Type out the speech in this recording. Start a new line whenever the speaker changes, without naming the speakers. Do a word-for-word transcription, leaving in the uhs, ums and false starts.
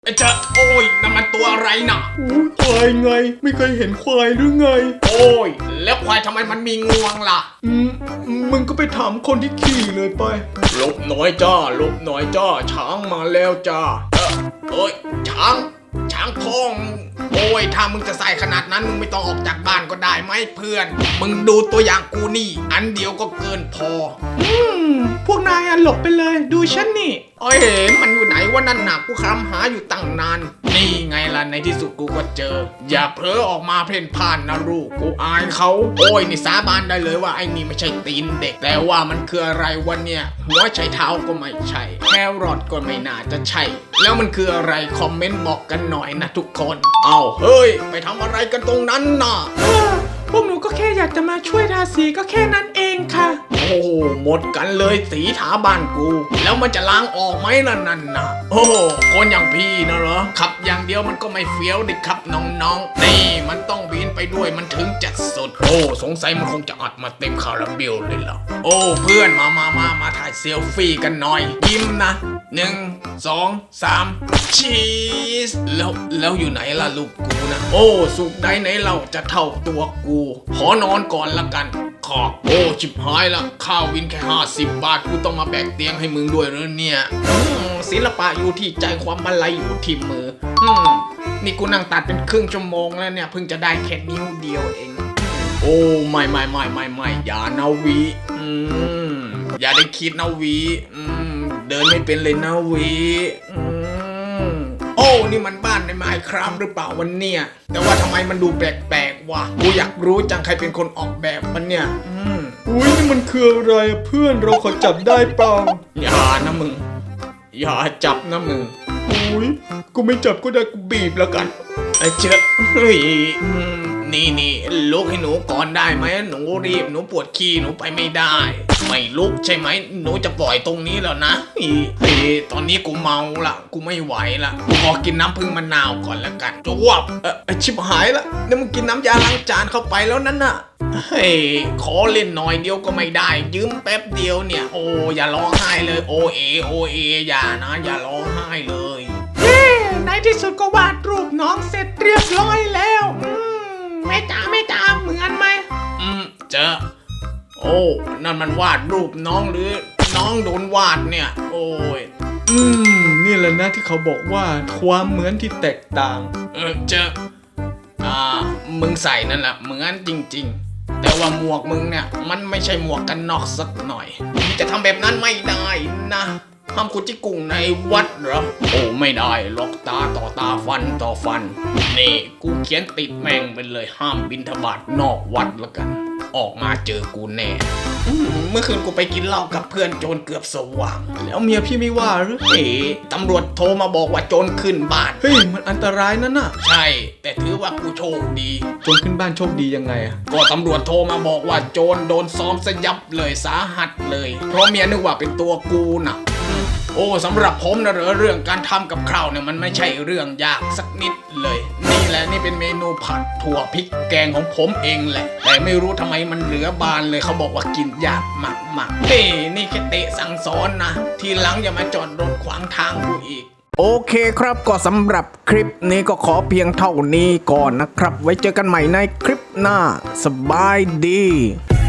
ไอ้เจ้าโอ้ยนั่นมันตัวอะไรน่ะ
ควายไงไม่เคยเห็นควายหรือไง
โอ้ยแล้วควายทำไมมันมีงวงล่ะ
อืมมึงก็ไปถามคนที่ขี่เลยไป
ลบน้อยจ้าลบน้อยจ้าช้างมาแล้วจ้าเออเอ้ยช้างช้างทองโอ้ยถ้ามึงจะใส่ขนาดนั้นมึงไม่ต้องออกจากบ้านก็ได้ไหมเพื่อนมึงดูตัวอย่างกูนี่อันเดียวก็เกินพอ
อืมพวกนายอ่ะหลบไปเลยดูฉันนี่
เอ้ยมันอยู่ไหนวะนั่นน่ะกูคำหาอยู่ตั้งนานนี่ไงล่ะในที่สุดกูก็เจออย่าเพ้อออกมาเพ่นพ่านนะลูกกูอายเขาโอ้ยนี่สาบานได้เลยว่าไอ้นี่ไม่ใช่ตีนเด็กแต่ว่ามันคืออะไรวะเนี่ยหัวไชเท้าก็ไม่ใช่แครอทก็ไม่น่าจะใช่แล้วมันคืออะไรคอมเมนต์บอกกันหน่อยนะทุกคนเอาเฮ้ยไปทำอะไรกันตรงนั้นน่ะ
พวกหนูก็แค่อยากจะมาช่วยทาสีก็แค่นั้นเองค่ะ
โอ้หมดกันเลยสีถาบ้านกูแล้วมันจะล้างออกไหมล่ะนั่นนะโอ้คนอย่างพี่นะเหรอขับอย่างเดียวมันก็ไม่เฟี้ยวดิครับน้องๆนี่มันต้องบินไปด้วยมันถึงจะสุดโอ้สงสัยมันคงจะอัดมาเต็มคาราเบลเลยล่ะโอ้เพื่อนมามามามาถ่ายเซลฟี่กันหน่อยยิ้มนะหนึ่งสองสามชีสแล้วแล้วอยู่ไหนล่ะลูกกูนะโอ้สุกได้ไหนเราจะเท่าตัวกูขอนอนก่อนละกันขอโอ้ชิบหายละข้าววินแค่ห้าสิบบาทกูต้องมาแบกเตียงให้มึงด้วยหรือเนี่ยศิลปะอยู่ที่ใจความมาลัยอยู่ที่มืออืมนี่กูนั่งตัดเป็นครึ่งชั่วโมงแล้วเนี่ยเพิ่งจะได้แค่นิ้วเดียวเองโอ้ไม่ไม่ไม่ไม่ไม่อย่านาวีอืมอย่าได้คิดนาวีอืมเดินไม่เป็นเลยนาวีอืมโอ้นี่มันบ้านในไมน์ครับหรือเปล่าวันเนี่ยแต่ว่าทำไมมันดูแปลกๆวะกูอยากรู้จังใครเป็นคนออกแบบมันเนี่ยอืม
อุ้ยนี่มันคืออะไรเพื่อนเราขอจับได้เปล่า
อย่านะมึงอย่าจับนะมึง
อุ้ยกูไม่จับก็ได้กูบีบแล้วกัน
ไอ้เจ้าเฮ้ยนี่นี่ลุกให้หนูก่อนได้ไหมหนูรีบหนูปวดขี้หนูไปไม่ได้ไม่ลุกใช่ไหมหนูจะปล่อยตรงนี้แล้วนะเฮ้ยตอนนี้กูเมาละกูไม่ไหวละกูขอกินน้ำพึ่งมะนาวก่อนละกันจวบเออชิบหายละเนี่ยมึงกินน้ำยาล้างจานเข้าไปแล้วนั่นน่ะเฮ้ยขอเล่นหน่อยเดียวก็ไม่ได้ยืมแป๊บเดียวเนี่ยโอ้อย่าร้องไห้เลยโอเอโอเออย่านะอย่าร้องไห้เลย
เฮ้ในที่สุดก็วาดรูปน้องเสร็จเรียบร้อยแล้วอืมแม่จ๋าแม่จ๋าเหมือนไหม
อืมเจอโอ้นั่นมันวาดรูปน้องหรือน้องโดนวาดเนี่ยโอ้ย
อืมนี่แหละนะที่เขาบอกว่าความเหมือนที่แตกต่าง
เออเจออ่ามึงใส่นั่นแหละเหมือนจริงๆแต่ว่าหมวกมึงเนี่ยมันไม่ใช่หมวกกันน็อกสักหน่อยมึงจะทำแบบนั้นไม่ได้นะห้ามขุดจิกุ้งในวัดเหรอโอ้ไม่ได้หรอกตาต่อตาฟันต่อฟันนี่กูเขียนติดแม่งไปเลยห้ามบิณฑบาตนอกวัดละกันออกมาเจอกูแน่เมื่อคืนกูไปกินเหล้ากับเพื่อนโจรเกือบสว่าง
แล้วเมียพี่ไม่ว่าหรือ
เฮ้ตำรวจโทรมาบอกว่าโจรขึ้นบ้าน
เฮ้ยมันอันตรายนั่นน่ะ
ใช่แต่ถือว่ากูโชคดี
โจรขึ้นบ้านโชคดียังไงอ่ะ
ก็ตำรวจโทรมาบอกว่าโจรโดนซ้อมสยับเลยสาหัสเลยเพราะเมียนึกว่าเป็นตัวกูน่ะโอ้สำหรับผมนะเหรอเรื่องการทำกับข้าวเนี่ยมันไม่ใช่เรื่องยากสักนิดเลยนี่แหละนี่เป็นเมนูผัดถั่วพริกแกงของผมเองแหละแต่ไม่รู้ทำไมมันเหลือบานเลยเขาบอกว่ากินยากมากๆเฮ้นี่แค่เตะสั่งสอนนะทีหลังอย่ามาจอดรถขวางทางกูอีกโอเคครับก็สำหรับคลิปนี้ก็ขอเพียงเท่านี้ก่อนนะครับไว้เจอกันใหม่ในคลิปหน้าสบายดี